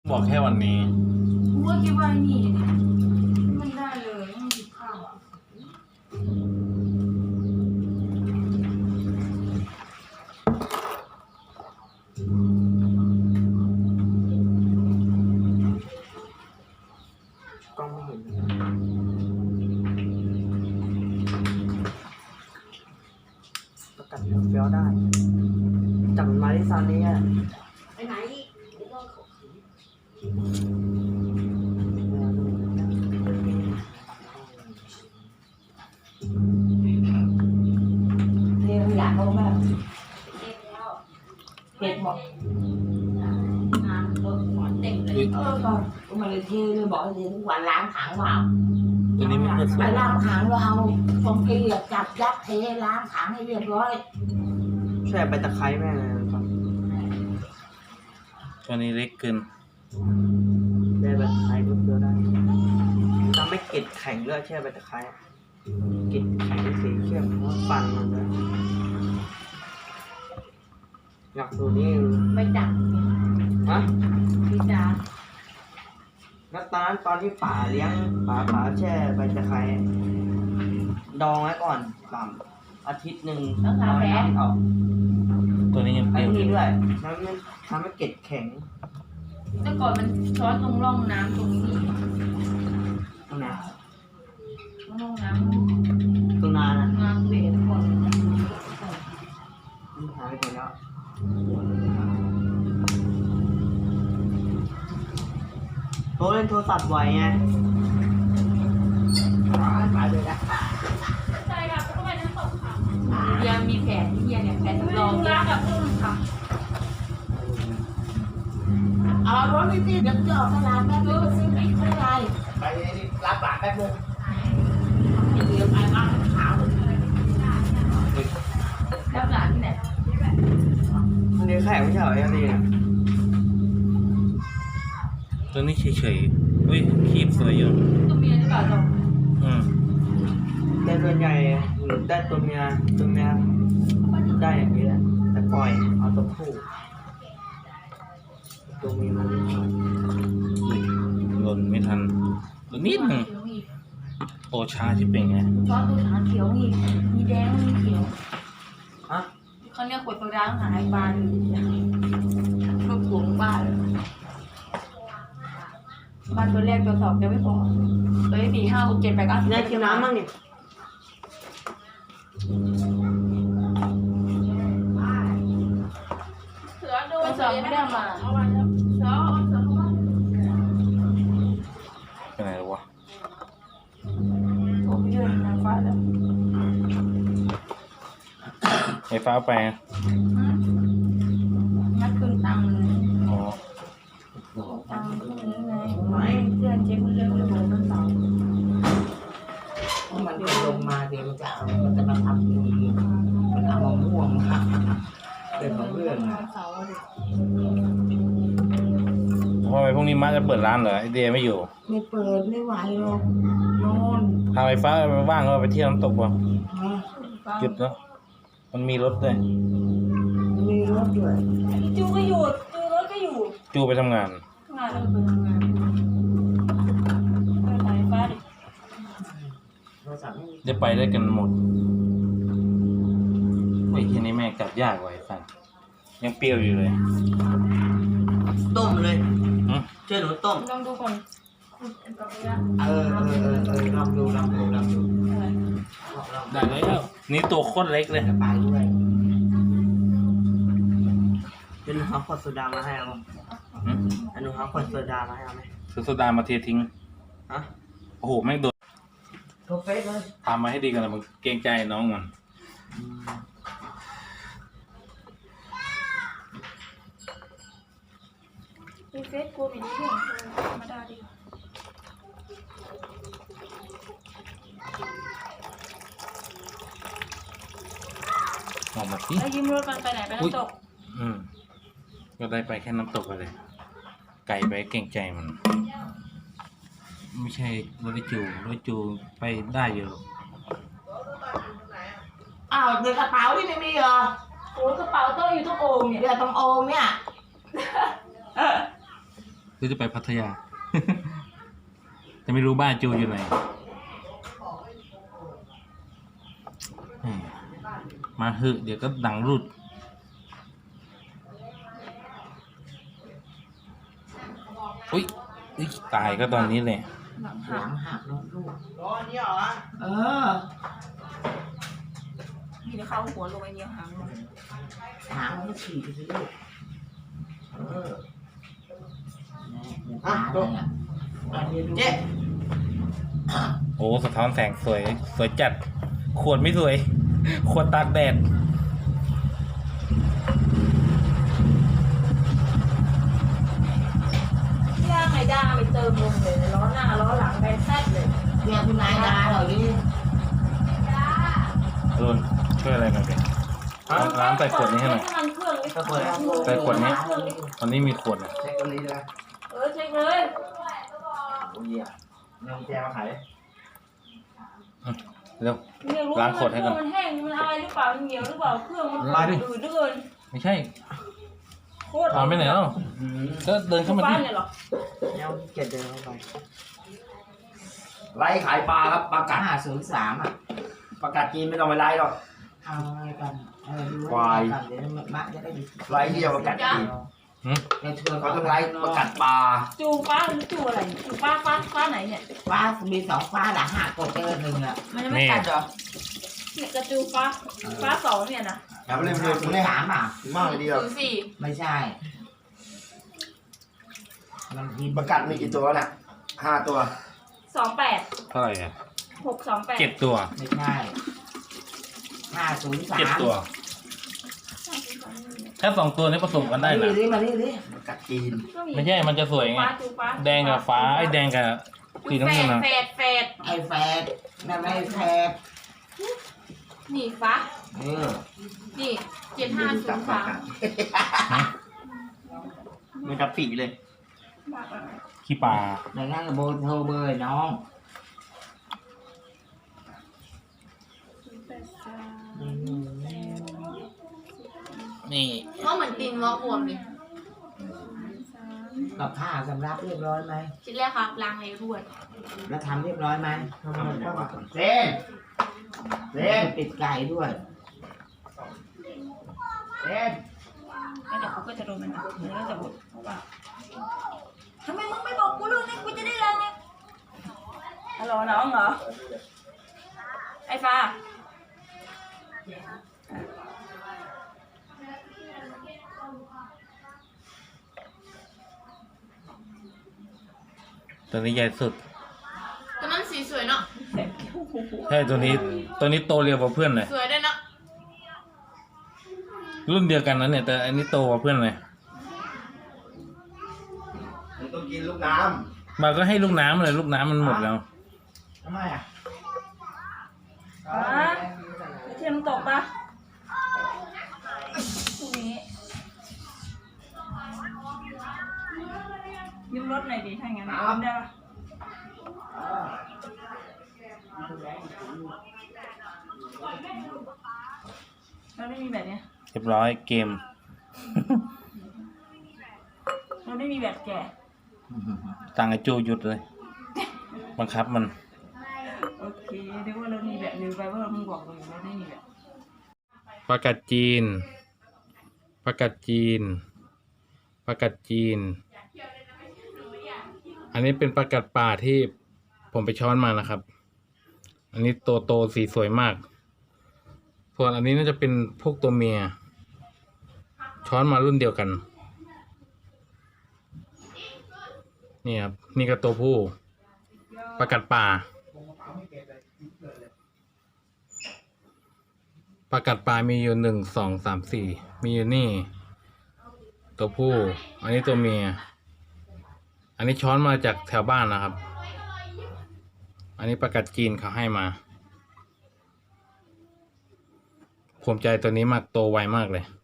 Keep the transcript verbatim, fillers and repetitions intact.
บอกแค่วันนี้กูก็คิดว่านี่มันได้เลยต้องหยิบข้าวอ่ะกล้องไม่เห็นประกันเฟี้ยวได้จับมาที่ซานนี้อ่ะไปไหนเดี๋ยวต้องเรียนอยากรู้ไหมเห็ดหมดงานรถหมอนเต็มเลยเออก่อนมาเลยเทเลยบอกเลยทุกวันล้างถังเปล่าตัวนี้ไม่เปิดสไปวยล้างถังเราเอาฟองเกลียบจับยัดเทล้างถังให้เรียบร้อยใช่ใบตะไคร้แม่เลยครับตัวนี้เล็กเกินได้ใบตะไคร้เฟี้ยวได้ทำให้เกล็ดแข็งด้วยแช่ใบตะไคร้เกล็ดแข็งสีเข้มเพราะฟันมันเลยอยากดูนี่ไม่จับฮะพี่จ๋าแล้วตอนนั้นตอนที่ป่าเลี้ยงป่าป่าแช่ใบตะไคร้ดองไว้ก่อนสามอาทิตย์หนึ่งเอาน้ำออกตัวนี้ยังเปไอ้รี้ยวอนี่ยู่ด้วยน้ำมันทำให้เกล็ดแข็งแต่ก่อนมันช้อนตรงร่องน้ำตรงนี้ตรงไหนร่องน้ตรงนานอ่ะำน้ำเบสก่อนมันหายไปหมดแล้วโทรเล่นโทรศัพท์ไวไงไปเลยนะใช่ค่ะก็ไปน้ำตกค่ะเฮียมีแผนเฮียเนี่ยแผนรองรักกับพุ่มค่ะเอารถพี่พี่เดี๋ยวจะออกตลาดแป๊บนึงซื้อพริกซื้ออะไรไปรับหลานแป๊บนึงเดี๋ยวไปบ้านขาวแล้วหลานที่ไหนมันเลี้ยงแขกไม่ใช่เหรอยังดีเนี่ยตัวนี้เฉยๆอุ้ยคีบสวยอยู่ตัวเมียหรือเปล่าจ๊ะอืมแต่ส่วนใหญ่ได้ตัวเมียตัวเมียได้อย่างนี้แหละแต่ปล่อยเอาตัวผู้ตัวเมียมันไม่ปล่อยอุ้ยหล่นไม่ทันตัวนิดหนึ่งเขียวอีกโอชาที่เป็นไงช้อนตัวขาเขียวอีกมีแดงมีเขียวฮะเขาเนี่ยขวดโซดาต้องหาไอ้ปลาอยู่รูปสูงบ้าเลยบ้านตัวแรกตัวสองจะไม่พอตัวที่สี่ห้าหกเจ็ดแปดเก้าสิบนายกินน้ำมั่งเนี่ยเสือดูตัวสองไม่ได้มาเอาไว้แล้วเสือเอาเสือเข้ามาเป็นไงวะผมยืนทางฟ้าแล้วไฟฟ้าไปอ่ะนัดคืนตังค์เลยอ๋อตังค์พวกนี้ไงไม่เพื่อนเจ๊คนเร็วเลยบอกต้นเสามันจะลงมาเดี๋ยวมันจะเอามันจะมาทำดีมันเอามะม่วงมาเป็นของเรื่องต้นเสาเลยเพราะไอ้พวกนี้มาจะเปิดร้านเหรอไอเดียไม่อยู่ไม่เปิดไม่ไหวหรอกนอนถ้าไฟฟ้าว่างก็ไปเที่ยวน้ำตกว่ะฮะหยุดเนาะมันมีรถด้วยมีรถด้วยจูก็หยุดจูรถก็อยู่จูไปทำงานงานเออไปทำงานไปไหนฟ้าดิโทรศัพท์ไม่มีจะไปได้กันหมดไอ้ที่นี้แม่งกลับยากกว่าไอ้สันยังเปรี้ยวอยู่เลยต้มเลยหึเชื่อหนูต้มลองดูก่อนคุณเป็นกับเนี้ยเออเออเออเออลองดูลองดูลองดูอะไรลองลองได้แล้วนี่ตัวโคตรเล็กเลยจะไปด้วยเป็นหนูเอาขวดโซดามาให้เอาหึอันหนูเอาขวดโซดามาให้เอาไหมซื้อโซดามาเททิ้งฮะโอ้โหแม่งโดนโทรเฟซเลยทำมาให้ดีกันนะมึงเกรงใจน้องมันอืมมีเฟซกูมีเรื่องธรรมดาดิออกมาสิแล้วยิ้มรถมันไปไหนไปน้ำตกอืมก็ได้ไปแค่น้ำตกไปเลย ไก่ไปเกรงใจมัน ไม่ใช่รถจูรถจูไปได้อยู่อ้าวในกระเป๋าที่ไม่มีเหรอโอ้กระเป๋าโต้อยู่ตรงโอ่งเนี่ยเดี๋ยวตรงโอ่งเนี่ยหรือจะไปพัทยา แต่ไม่รู้บ้านจูอยู่ไหนอืมมาเหอะเดี๋ยวก็ดังรุดอุ้ยอุ๊ยตายก็ตอนนี้แหละหลังหหัลักงหักแล้วลูกรอนี่เหรอเออมีแต่เข้าหัวลงไปเดียวหางมันหางมันฉีกไปสิลูกเออเนี่ยอ่ะตาจเลบยอ่ะอ่ะเดี๋ยวดูเจ๊โอ้สะท้อนแสงสวย สวยจัด ขวดไม่สวย ขวดตากแดดย่างไงด้าไปเติมลมเลยล้อหน้าล้อหลังไปแซ่บเลยเรียกคุณนายดาหน่อยดิรุนช่วยอะไรกันเป็นร้านใส่ขวดนี้ให้หน่อยน้ำมันเครื่องนี่ก็เปิดแล้วใส่ขวดนี้ ตอนนี้มีขวดนะเช็คตรงนี้ด้วยเออเช็คเลยโอ้ยอ่ะนำแจมาขายเร็วเนี่ยรู้ล้างว่าขวดให้ก่อนมันแห้งมันอะไรหรือเปล่ามันเหนียวหรือเปล่าเครื่องมันมาดิอืดเหลือเกินไม่ใช่โคตรตอนไปไหนแล้วอืมก็เดินเข้ามาบ้าที่นเนี่ยเหรอแล้วเกียรเดินเข้าไปไล่ขายปลาครับปลากัดห้าศูนย์สามอ่ะปลากัดจีนไม่ต้องไปไล่หรอกเอาอะไรกันเออดูควายกันเดี๋ยวมะจะได้ดีไล่เดียวปลากัดจีนเดี๋ยวชวนเขาต้องไล่ปลากัดปลาจูฟ้าหรือจูอะไรจูฟ้าฟ้าฟ้าไหนเนี่ยฟ้ามีสองฟ้าหลังหักกดเจอหนึ่งอ่ะมันจะไม่กัดเหรอเนี่ยกระจูฟ้าฟ้าสองเนี่ยนะอย่าไปเลยไปห้าเลยศูคุณนเนี่ยย์สามอ่ะมากเลยเดียวศูนย์สี่ไม่ใช่มันพิมพ์ปลากัดมีกี่ตัวน่ะห้าตัวสองแปดเท่าไหร่อ่ะหกสองแปดเจ็ดตัวไม่ใช่ห้าศูนย์สามเจ็ดตัว ถ้าสองตัวนี้ผสมกันได้มานะดิมาดิดิปลากัดจีนไม่ใช่ มันจะสวยไงฟ้าจูฟ้าแดงกับฟ้า ไอ้แดงกับสีน้ำเงินนะแฟดแฟดไอ้แฟดนั่นไม่แฟดนี่ฟ้าเออนี่เจ็ดห้าศูนย์สามมันจะปีเลยขี้ปลาดังนั้นโบโทรเบอร์น้องนี่เพราะเหมือนตีนวอกบวมเลยกับข้าวสำรับเรียบร้อยไหมชิ้นแรกครับล้างเลยรวดแล้วทำเรียบร้อยไหมเส้นเส้นติดไก่ด้วยเส้นแล้วเดี๋ยวเขาก็จะโดนมันอ่ะเนื้อจะบดเพราะว่าทำไมมึงไม่บอกกูเลยเนี่ยกูจะได้ล้างไงฮัลโหลน้องเหรอไอ้ฟ้าตัวนี้ใหญ่สุดตัวนั้นสีสวยเนาะใช่ ตัวนี้ ตัวนี้โตเร็วกว่าเพื่อนเลยสวยด้วยเนาะรุ่นเดียวกันนะเนี่ย แต่อันนี้โตกว่าเพื่อนเลยมันต้องกินลูกน้มาก็ให้ลูกน้ำเลย ลูกน้ำมันหมดแล้วำทำไมอ่ะฟ้าไปเทียมตกปะตรงนี้ยืมรถหน่อยดิถ้างั้นยืมได้ปะเราไม่มีแบบเนี้ยเรียบร้อยเกมเราไม่มีแบบแก่ตังไอจูหยุดเลย บังคับมันโอเคเดี๋ยวว่าเรามีแบบลืมไปว่าเรามึงบอกเราอยู่เราไม่มีแบบปลากัดจีน ปลากัดจีน ปลากัดจีน อันนี้เป็นปลากัดป่าที่ผมไปช้อนมานะครับ อันนี้โตโตสีสวยมาก ส่วนอันนี้น่าจะเป็นพวกตัวเมีย ช้อนมารุ่นเดียวกัน นี่ครับ นี่ก็ตัวผู้ ปลากัดป่า ปลากัดปลามีอยู่หนึ่งสองสามสี่มีอยู่นี่ ตัวผู้ อันนี้ตัวเมีย อันนี้ช้อนมาจากแถวบ้านนะครับ อันนี้ปลากัดจีนเขาให้มาภูมิใจตัวนี้มากโตไวมากเลย